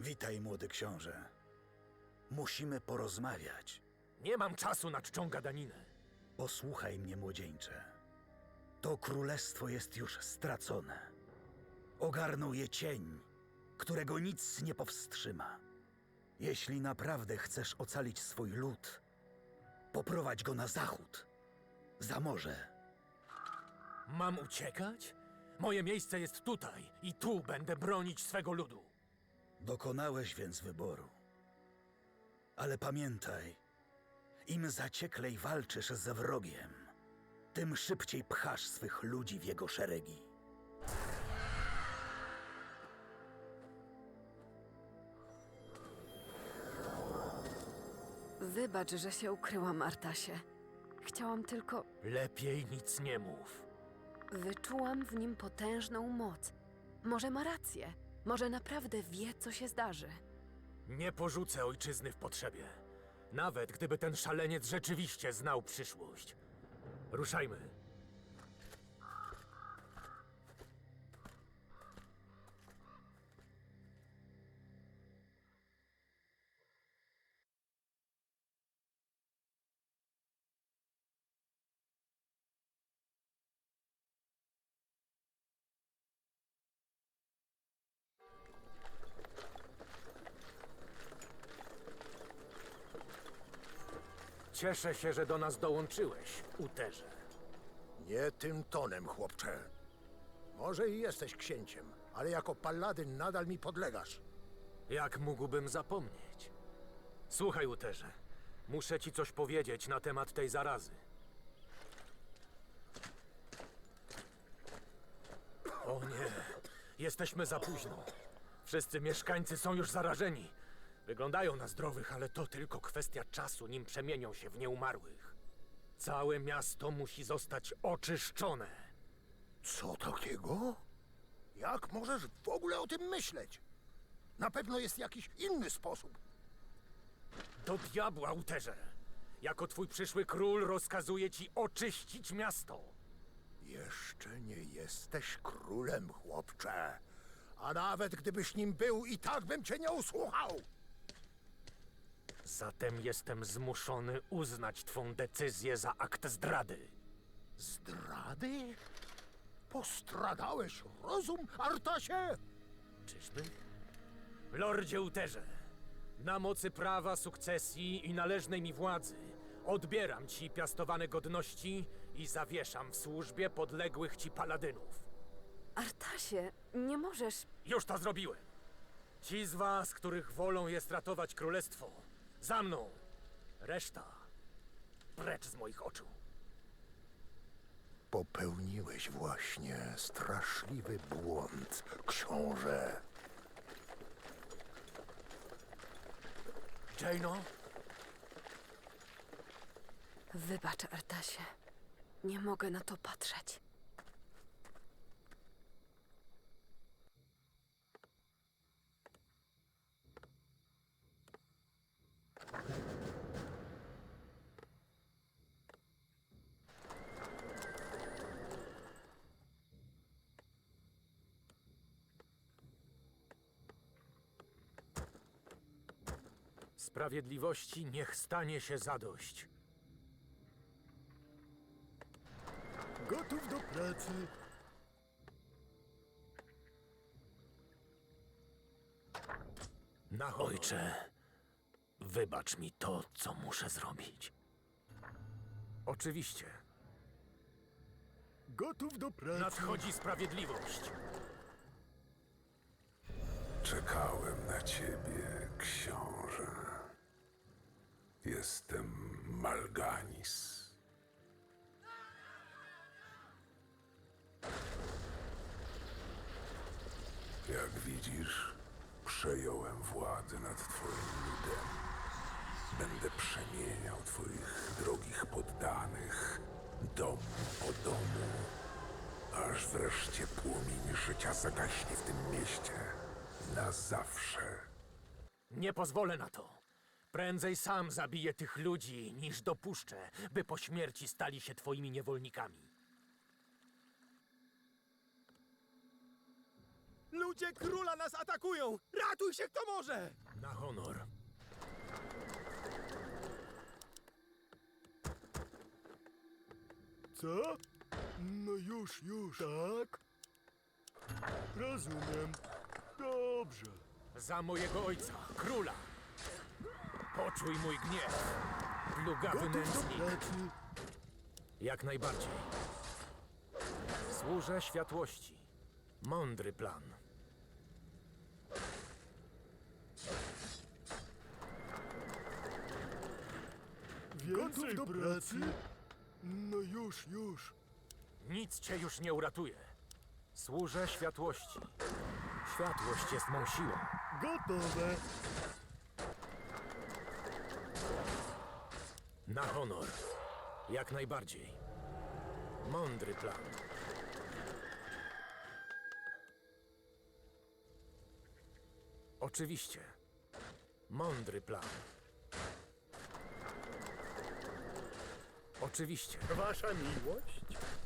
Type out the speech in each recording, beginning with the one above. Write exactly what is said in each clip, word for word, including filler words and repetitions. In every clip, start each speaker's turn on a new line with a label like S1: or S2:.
S1: Witaj, młody książę. Musimy porozmawiać.
S2: Nie mam czasu na czczą gadaninę.
S1: Posłuchaj mnie, młodzieńcze. To królestwo jest już stracone. Ogarnął je cień, którego nic nie powstrzyma. Jeśli naprawdę chcesz ocalić swój lud, poprowadź go na zachód, za morze.
S2: Mam uciekać? Moje miejsce jest tutaj i tu będę bronić swego ludu.
S1: Dokonałeś więc wyboru. Ale pamiętaj, im zacieklej walczysz ze wrogiem, tym szybciej pchasz swych ludzi w jego szeregi.
S3: Wybacz, że się ukryłam, Artasie. Chciałam tylko...
S2: Lepiej nic nie mów.
S3: Wyczułam w nim potężną moc. Może ma rację. Może naprawdę wie, co się zdarzy.
S2: Nie porzucę ojczyzny w potrzebie. Nawet gdyby ten szaleniec rzeczywiście znał przyszłość. Ruszajmy. Cieszę się, że do nas dołączyłeś, Uterze.
S4: Nie tym tonem, chłopcze. Może i jesteś księciem, ale jako paladyn nadal mi podlegasz.
S2: Jak mógłbym zapomnieć? Słuchaj, Uterze. Muszę ci coś powiedzieć na temat tej zarazy. O nie, jesteśmy za późno. Wszyscy mieszkańcy są już zarażeni. Wyglądają na zdrowych, ale to tylko kwestia czasu, nim przemienią się w nieumarłych. Całe miasto musi zostać oczyszczone.
S4: Co takiego? Jak możesz w ogóle o tym myśleć? Na pewno jest jakiś inny sposób.
S2: Do diabła, Uterze! Jako twój przyszły król rozkazuję ci oczyścić miasto.
S4: Jeszcze nie jesteś królem, chłopcze. A nawet gdybyś nim był, i tak bym cię nie usłuchał.
S2: Zatem jestem zmuszony uznać twą decyzję za akt zdrady.
S4: Zdrady? Postradałeś rozum, Artasie?
S2: Czyżby? Lordzie Uterze, na mocy prawa sukcesji i należnej mi władzy odbieram ci piastowane godności i zawieszam w służbie podległych ci paladynów.
S3: Artasie, nie możesz...
S2: Już to zrobiłem. Ci z was, których wolą jest ratować królestwo, za mną. Reszta precz z moich oczu.
S4: Popełniłeś właśnie straszliwy błąd, książę.
S2: Jaino?
S3: Wybacz, Artasie. Nie mogę na to patrzeć.
S2: Sprawiedliwości niech stanie się zadość.
S4: Gotów do pracy.
S2: Na honor. Ojcze, wybacz mi to, co muszę zrobić. Oczywiście.
S4: Gotów do pracy.
S2: Nadchodzi sprawiedliwość.
S5: Czekałem na ciebie, książę. Jestem Malganis. Jak widzisz, przejąłem władzę nad twoim ludem. Będę przemieniał twoich drogich poddanych, dom po domu, aż wreszcie płomień życia zagaśnie w tym mieście. Na zawsze.
S2: Nie pozwolę na to. Prędzej sam zabiję tych ludzi, niż dopuszczę, by po śmierci stali się twoimi niewolnikami.
S4: Ludzie
S6: Ludzie króla nas atakują! Ratuj się kto może!
S2: Na honor.
S7: Co? No już, już. Tak? Rozumiem. Dobrze.
S2: Za mojego ojca, króla. Poczuj mój gniew. Plugawy
S7: Gotów do
S2: nędznik.
S7: pracy.
S2: Jak najbardziej. Służę światłości. Mądry plan.
S7: Więcej do pracy? No już, już.
S2: Nic cię już nie uratuje. Służę światłości. Światłość jest mą siłą.
S7: Gotowe.
S2: Na honor. Jak najbardziej. Mądry plan. Oczywiście. Mądry plan. Oczywiście.
S4: Wasza miłość?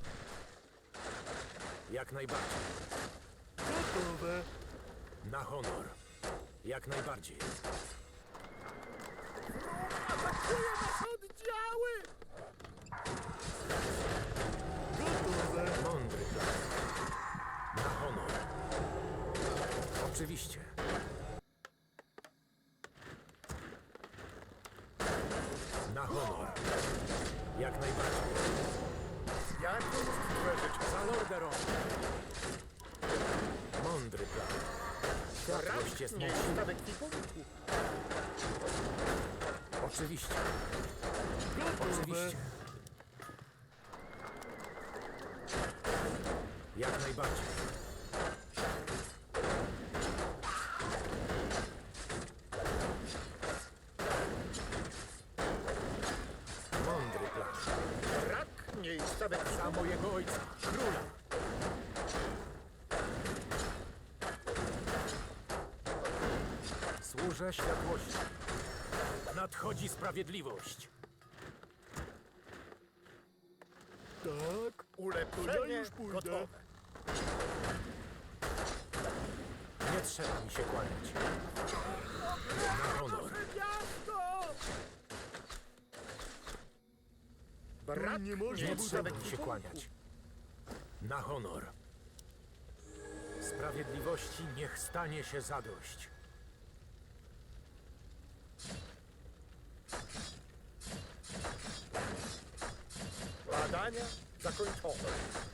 S2: Jak najbardziej.
S7: Gotowe.
S2: Na honor. Jak najbardziej.
S4: Atakuje nas oddziały!
S7: Gotowe.
S2: Mądry plan. Na honor. Oczywiście. Na honor. Jak najbardziej.
S4: Jak stworzyć
S2: Za Lorderon. Mądry plan. Światłość jest mą
S4: nie
S2: siłą.
S4: statek kwipunku?
S2: Oczywiście.
S7: Gotowe.
S2: Oczywiście. Jak najbardziej. Mądry plan.
S4: Brak miejsca we
S2: Za mojego ojca, króla. Służę światłości. Nadchodzi sprawiedliwość.
S7: Tak.
S4: ulepszenie
S7: To ja już pójdę.
S4: gotowe.
S2: Nie trzeba mi się kłaniać. Na honor.
S4: Brak
S7: nie można
S2: Nie
S4: miejsca
S2: trzeba
S4: we
S2: mi się
S4: kwipunku.
S2: kłaniać. Na honor. Sprawiedliwości niech stanie się zadość.
S4: Badania zakończone.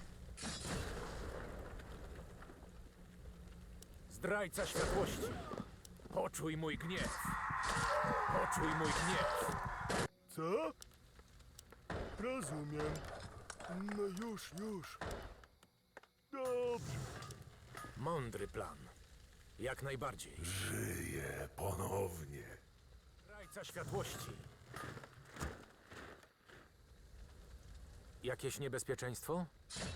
S2: Zdrajca światłości. Poczuj mój gniew. Poczuj mój gniew.
S7: Co? Rozumiem. No już, już. Dobrze.
S2: Mądry plan. Jak najbardziej.
S5: Żyję ponownie.
S2: Zdrajca światłości. Jakieś niebezpieczeństwo?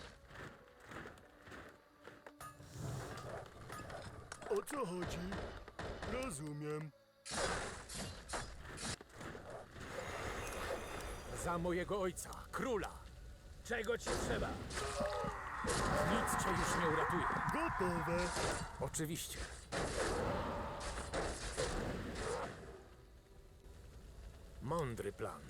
S7: O co chodzi? Rozumiem.
S2: Za mojego ojca, króla.
S6: Czego ci trzeba?
S2: Nic cię już nie uratuje.
S7: Gotowe.
S2: Oczywiście. Mądry plan.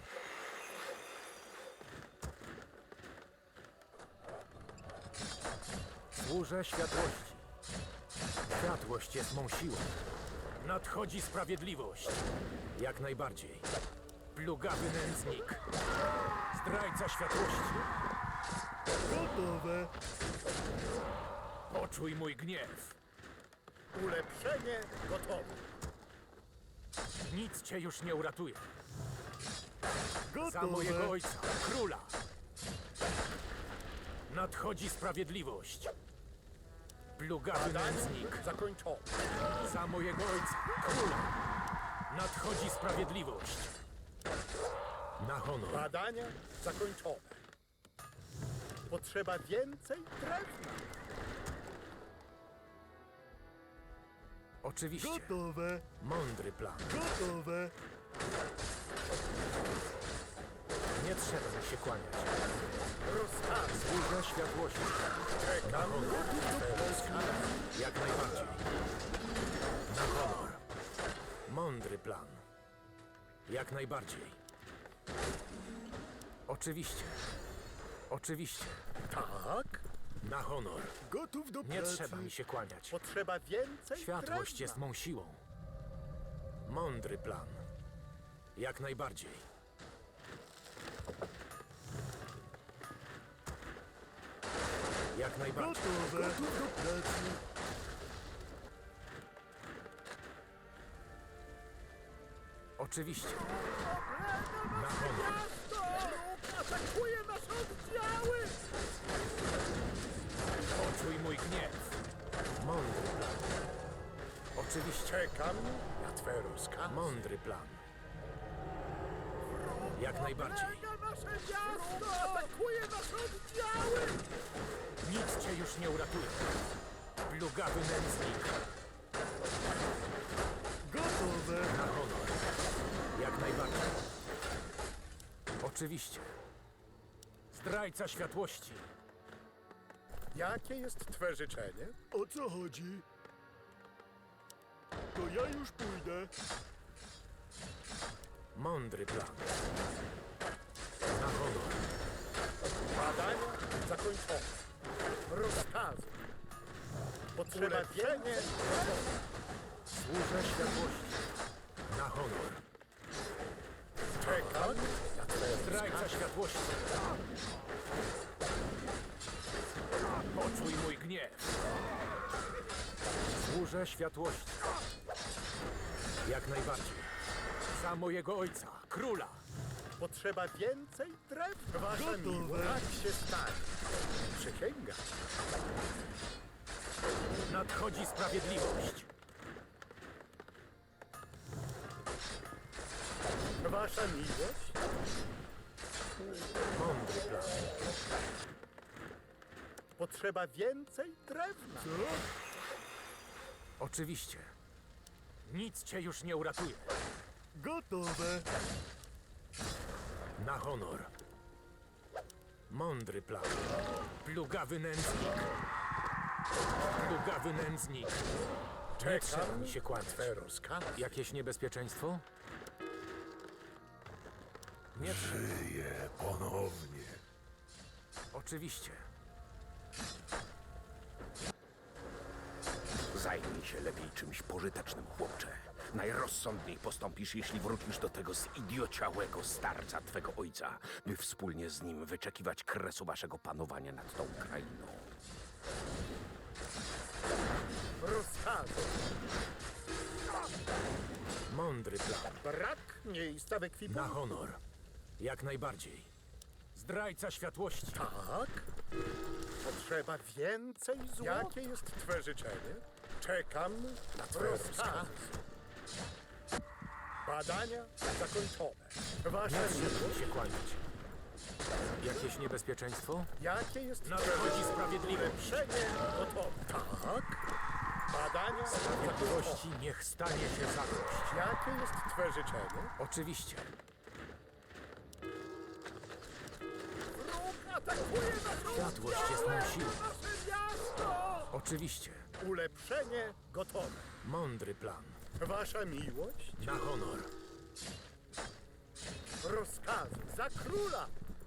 S2: Służę światłości. Światłość jest mą siłą. Nadchodzi sprawiedliwość. Jak najbardziej. Plugawy nędznik. Zdrajca światłości.
S7: Gotowe.
S2: Poczuj mój gniew.
S4: Ulepszenie gotowe.
S2: Nic cię już nie uratuje. Za
S7: Gotowe.
S2: mojego ojca, króla. Nadchodzi sprawiedliwość. Plugawy nędznik.
S4: Zakończone.
S2: Za mojego ojca, króla. Nadchodzi sprawiedliwość. Na honor.
S4: Badania zakończone. Potrzeba więcej drewna.
S2: Oczywiście.
S7: Gotowe.
S2: Mądry plan.
S7: Gotowe.
S2: Nie trzeba mi się kłaniać.
S4: Rozkaz.
S2: Służę światłości. Na honor. Jak najbardziej. Na honor. Mądry plan. Jak najbardziej. Oczywiście. Oczywiście.
S4: Tak?
S2: Na honor.
S7: Gotów do
S2: Nie
S7: pracy.
S2: trzeba mi się kłaniać.
S4: Potrzeba więcej
S2: Światłość
S4: drewna.
S2: jest mą siłą. Mądry plan. Jak najbardziej. Jak najbardziej.
S7: Gotowe. Gotów do pracy.
S2: Oczywiście. Na honor.
S4: Atakuje nasze oddziały!
S2: Poczuj mój gniew. Mądry plan. Oczywiście.
S4: Czekam na twe rozkazy.
S2: Mądry plan. Jak najbardziej.
S4: nasze miasto! Atakuje nasze oddziały!
S2: Nic cię już nie uratuje. Plugawy nędznik.
S7: Gotowe.
S2: Na honor. Jak najbardziej. Oczywiście. Zdrajca światłości.
S4: Jakie jest twe życzenie?
S7: O co chodzi? To ja już pójdę.
S2: Mądry plan. Na honor.
S4: Badania zakończone. Rozkazy. Potrzeba więcej.
S2: Służę światłości. Na honor.
S4: Czekam na twe
S2: Zdrajca światłości. Poczuj mój gniew. Służę światłości. Jak najbardziej. Za mojego ojca, króla.
S4: Potrzeba więcej drewna. Wasza
S7: Gotowe.
S4: miłość. Tak się stanie. Przysięgam.
S2: Nadchodzi sprawiedliwość.
S4: Wasza miłość.
S2: Mądry plan.
S4: Potrzeba więcej drewna.
S7: Co?
S2: Oczywiście. Nic cię już nie uratuje.
S7: Gotowe.
S2: Na honor. Mądry plan. Plugawy nędznik. Plugawy nędznik. Nie trzeba
S4: Czekam
S2: mi się kłaniać.
S4: twe rozkazy.
S2: Jakieś niebezpieczeństwo? Nie trzeba.
S5: Żyję ponownie.
S2: Oczywiście.
S8: Zajmij się lepiej czymś pożytecznym, chłopcze. Najrozsądniej postąpisz, jeśli wrócisz do tego zidiociałego starca twego ojca, by wspólnie z nim wyczekiwać kresu waszego panowania nad tą krainą.
S4: Rozkazy.
S2: Mądry plan.
S4: Brak miejsca w
S2: Na
S4: ekwipunku.
S2: honor. Jak najbardziej. Zdrajca światłości.
S4: Tak? Potrzeba więcej złota. Jakie jest twe życzenie? Czekam na twe rozkazy. Badania zakończone. Wasza
S2: Nie trzeba
S4: miłość.
S2: mi się kłaniać. Jakieś niebezpieczeństwo?
S4: Jakie jest twe
S2: Nadchodzi
S4: życzenie?
S2: sprawiedliwość.
S4: Ulepszenie gotowe. Tak? Badania zakończone.
S2: Sprawiedliwości niech stanie się zadość.
S4: Jakie jest twe życzenie?
S2: Oczywiście.
S4: Wróg atakuje naszą
S2: Światłość jest mą siłą.
S4: nasze miasto!
S2: Oczywiście.
S4: Ulepszenie gotowe.
S2: Mądry plan.
S4: Wasza miłość?
S2: Na honor.
S4: Rozkazy za króla!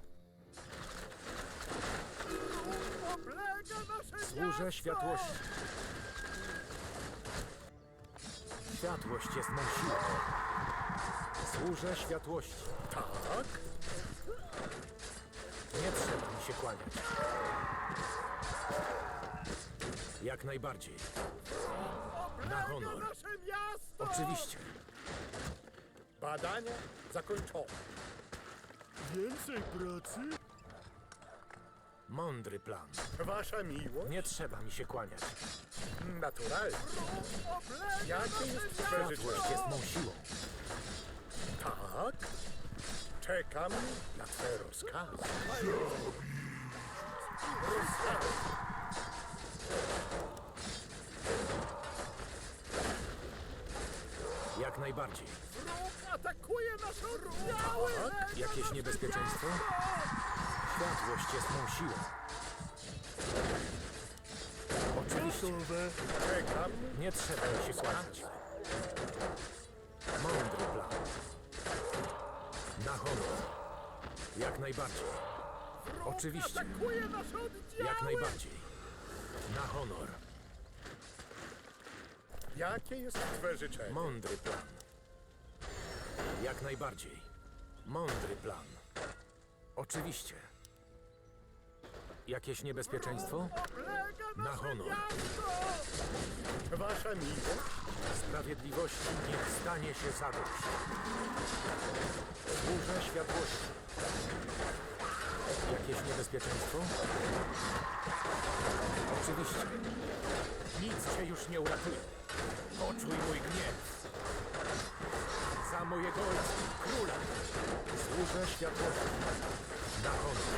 S4: Oblega nasze
S2: Służę
S4: miasto!
S2: światłości. Światłość jest mą siłą. Służę światłości.
S4: Tak?
S2: Nie trzeba mi się kłaniać. Jak najbardziej. Na honor.
S4: Nasze miasto!
S2: Oczywiście.
S4: Badania zakończone.
S7: Więcej pracy?
S2: Mądry plan.
S4: Wasza miłość?
S2: Nie trzeba mi się kłaniać.
S4: Naturalnie. Jakie jest twe
S2: Światłość
S4: życzenie?
S2: jest mą siłą.
S4: Tak? Czekam na twe rozkazy. Rozkazy.
S2: Jak najbardziej.
S4: Wróg atakuje nasze oddziały!
S2: Jakieś niebezpieczeństwo? Światłość jest mą siłą. Oczywiście.
S7: Gotowe.
S4: Czekam.
S2: Nie trzeba mi się kłaniać. Mądry plan. Na honor. Jak najbardziej. Oczywiście.
S4: Atakuje nasze oddziały!
S2: Jak najbardziej. Na honor.
S4: Jakie jest twe życzenie?
S2: Mądry plan. Jak najbardziej. Mądry plan. Oczywiście. Jakieś niebezpieczeństwo? Na honor.
S4: Wasza miłość?
S2: Sprawiedliwości niech stanie się zadość. Służę światłości. Jakieś niebezpieczeństwo? Oczywiście. Nic cię już nie uratuje. Poczuj mój gniew. Za mojego ojca, króla. Służę światłości. Na honor.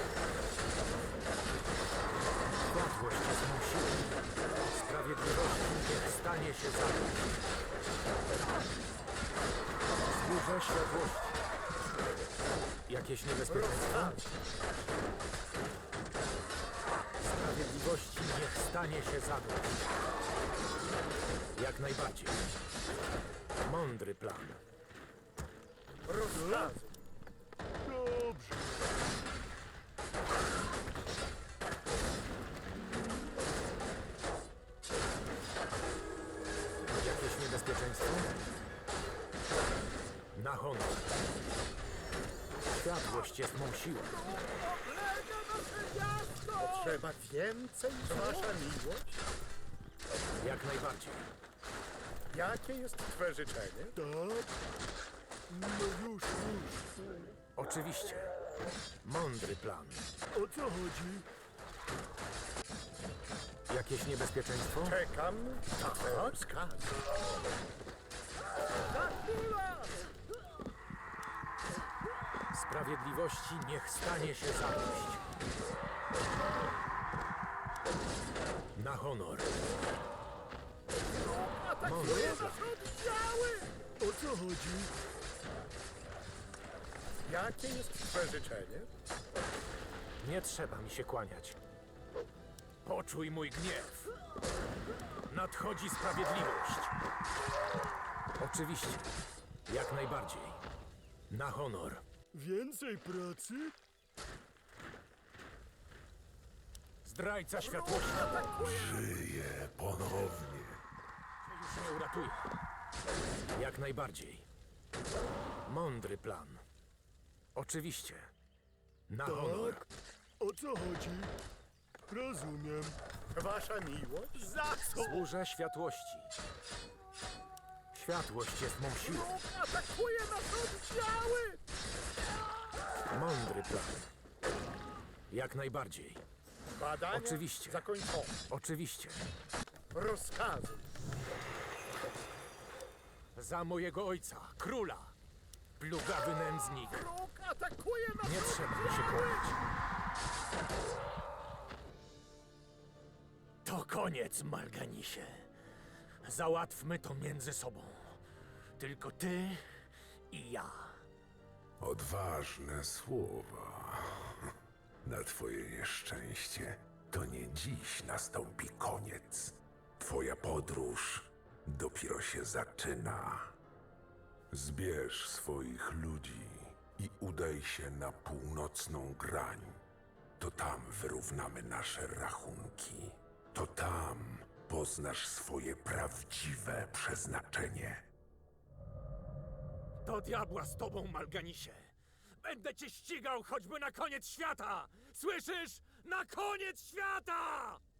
S2: Światłość jest mą siłą. Sprawiedliwości niech stanie się zadość. Służę światłości. Jakieś niebezpieczeństwo? Sprawiedliwości niech stanie się zadość. Jak najbardziej. Mądry plan.
S4: Rozkazu.
S7: Dobrze.
S2: Jakieś niebezpieczeństwo? Na honor. Światłość jest mą siłą.
S4: Potrzeba więcej? Wasza miłość?
S2: Jak najbardziej.
S4: Jakie jest twe życzenie?
S7: Tak. No już, już.
S2: Oczywiście. Mądry plan.
S7: O co chodzi?
S2: Jakieś niebezpieczeństwo?
S4: Czekam na twe rozkazy.
S2: Sprawiedliwości niech stanie się zadość. Na honor. Mądry plan.
S7: O co chodzi?
S4: Jakie jest twe życzenie?
S2: Nie trzeba mi się kłaniać. Poczuj mój gniew. Nadchodzi sprawiedliwość. Oczywiście. Jak najbardziej. Na honor.
S7: Więcej pracy?
S2: Zdrajca światłości
S5: Żyję ponownie.
S2: już nie uratuje. Jak najbardziej. Mądry plan. Oczywiście. Na honor.
S7: Tak. O co chodzi? Rozumiem.
S4: Wasza miłość?
S6: Za co?
S2: Służę światłości. Światłość jest mą siłą.
S4: Atakuje nasze oddziały!
S2: Mądry plan. Jak najbardziej.
S4: Badania
S2: Oczywiście.
S4: zakończone.
S2: Oczywiście.
S4: Rozkazy.
S2: Za mojego ojca, króla. Plugawy nędznik.
S4: Wróg atakuje nasze
S2: Nie trzeba mi się kłaniać. To koniec, Malganisie. Załatwmy to między sobą. Tylko ty i ja.
S5: Odważne słowa. Na twoje nieszczęście to nie dziś nastąpi koniec. Twoja podróż dopiero się zaczyna. Zbierz swoich ludzi i udaj się na północną grań. To tam wyrównamy nasze rachunki. To tam poznasz swoje prawdziwe przeznaczenie.
S2: Do diabła z tobą, Malganisie. Będę cię ścigał choćby na koniec świata. Słyszysz? Na koniec świata!